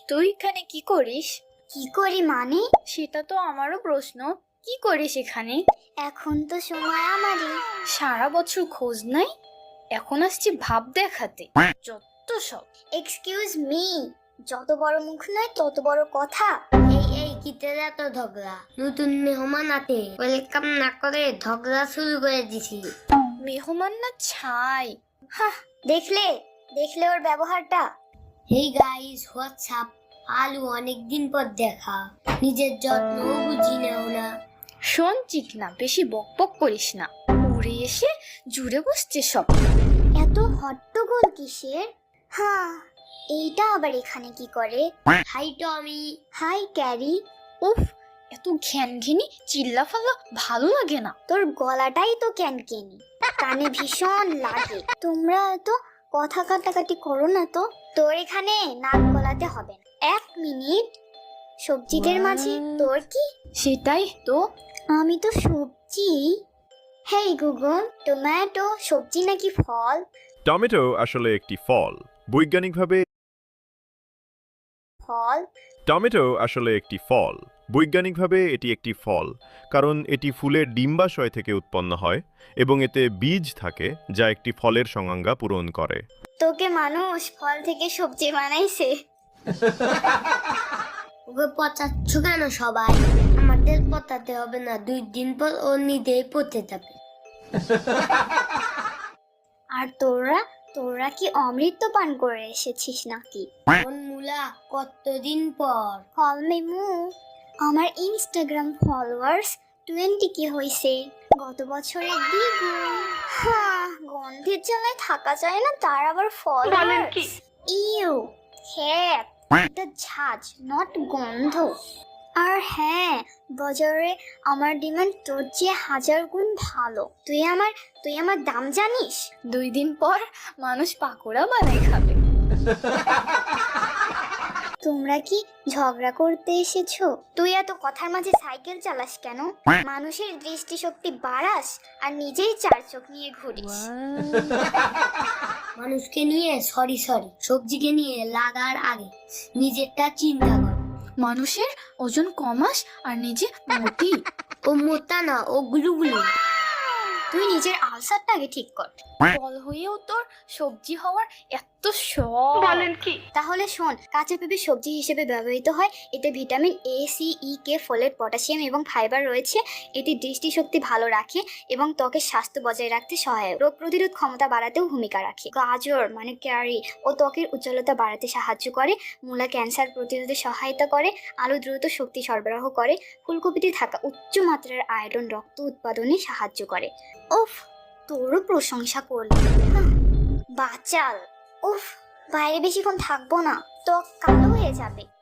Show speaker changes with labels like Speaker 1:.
Speaker 1: তুই এখানে কি করিস?
Speaker 2: কি করি মানে?
Speaker 1: সেটা তো আমারও প্রশ্ন। কি করিস এখানে?
Speaker 2: এখন তো সময় আমারই।
Speaker 1: সারা বছর খোঁজ নাই, এখন আসছি ভাব দেখাতে। যত সব।
Speaker 2: এক্সকিউজ মি, যত বড় মুখ নয় তত বড় কথা।
Speaker 3: এই কিতে এত ঝগড়া? নতুন মেহমান আতে ওয়েলকাম না করে ঝগড়া শুরু করে দিছি।
Speaker 1: মেহমান না ছাই। হ্যাঁ,
Speaker 2: দেখলে দেখলে ওর ব্যবহারটা।
Speaker 3: Hey guys, what's up? আলু অনেকদিন পর দেখা, নিজের যত্নও বুঝি নাও না।
Speaker 1: শোন চিকনা, বেশি বকবক করিস না। উড়ে এসে জুড়ে বসছে সব।
Speaker 2: এত হট্টগোল কিসের? হ্যাঁ, এইটা আবার এখানে কি করে?
Speaker 3: Hi Tommy.
Speaker 2: Hi Carrie.
Speaker 1: উফ, এত ঘ্যানঘেনি চিল্লাফাল্লা ভালো লাগে না।
Speaker 2: তোর গলাটাই তো ক্যানকেনি, কানে ভীষণ লাগে। তোমরা তো কথা কাটাকাটি করো না তো। তোর এখানে নাক গলাতে হবে না। 1 মিনিট, সবজিদের মাঝে তোর কি?
Speaker 1: সেটাই তো।
Speaker 2: আমি তো সবজি। হেই গুগল, টমেটো সবজি নাকি ফল?
Speaker 4: টমেটো আসলে একটি ফল। বৈজ্ঞানিকভাবে
Speaker 2: ফল?
Speaker 4: টমেটো আসলে একটি ফল। বৈজ্ঞানিকভাবে এটি একটি ফল, কারণ এটি ফুলের ডিম্বাশয় থেকে উৎপন্ন হয় এবং এতে বীজ থাকে যা একটি ফলের সংজ্ঞা পূরণ করে।
Speaker 2: তোকে মানুষ ফল থেকে সবজি বানাইছে?
Speaker 3: ওকে পচাচ্ছ কেন সবাই? আমাদের পচাতে হবে না, 2 দিন পর ও নিজেই পচে যাবে।
Speaker 2: আর তোরা তোরা কি অমৃত পান করে এসেছিস নাকি?
Speaker 3: কোন মুলা, কতদিন পর?
Speaker 2: ফল মেমু, আমার ইনস্টাগ্রাম ফলোয়ার্স 20 কি হইছে, গত বছরের দ্বিগুণ। হ্যাঁ, গন্ধের জ্বালায় থাকা যায় না, তার আবার ফলোয়ার্স। ইউ, হ্যাঁ, এটা ঝাঁজ নট গন্ধ। আর হ্যাঁ, বাজারে আমার ডিমান্ড তোর চেয়ে 1000 গুণ ভালো। তুই আমার দাম জানিস?
Speaker 1: 2 দিন পর মানুষ পাকোড়া বানাই খাবে।
Speaker 2: তোমরা কি ঝগড়া করতে এসেছো? তুই এত কথার মাঝে সাইকেল চালাস কেন? মানুষের দৃষ্টিশক্তি বাড়াস আর নিজেই 4 চোখ নিয়ে ঘুরিস।
Speaker 3: মানুষকে নিয়ে সরি, সবজিকে নিয়ে লাগার আগে নিজেরটা চিন্তা কর।
Speaker 1: মানুষের ওজন কমাস আর নিজে মোটি।
Speaker 3: ও মোটা না, ও গুলুগুলু।
Speaker 2: তুই নিজের আলসারটা আগে ঠিক কর।
Speaker 1: ফল হয়েও তোর সবজি হওয়ার এত শখ। বলেন কি?
Speaker 2: তাহলে শোন, কাঁচা পেঁপে সবজি হিসেবে ব্যবহৃত হয়। এতে vitamin A, C, E, K, folate, potassium এবং ফাইবার রয়েছে। এটি দৃষ্টিশক্তি ভালো রাখে এবং ত্বকের স্বাস্থ্য বজায় রাখতে সহায়ক। রোগ প্রতিরোধ ক্ষমতা বাড়াতেও ভূমিকা রাখে। গাজর মানে ক্যারি ও ত্বকের উজ্জ্বলতা বাড়াতে সাহায্য করে। মূলা ক্যান্সার প্রতিরোধে সহায়তা করে। আলু দ্রুত শক্তি সরবরাহ করে। ফুলকপিতে থাকা উচ্চ মাত্রার আয়রন রক্ত উৎপাদনে সাহায্য করে। উফ, তোরও প্রশংসা করলাম। বাচাল। উফ, বাইরে বেশিক্ষণ থাকবো না, ত্বক কালো হয়ে যাবে।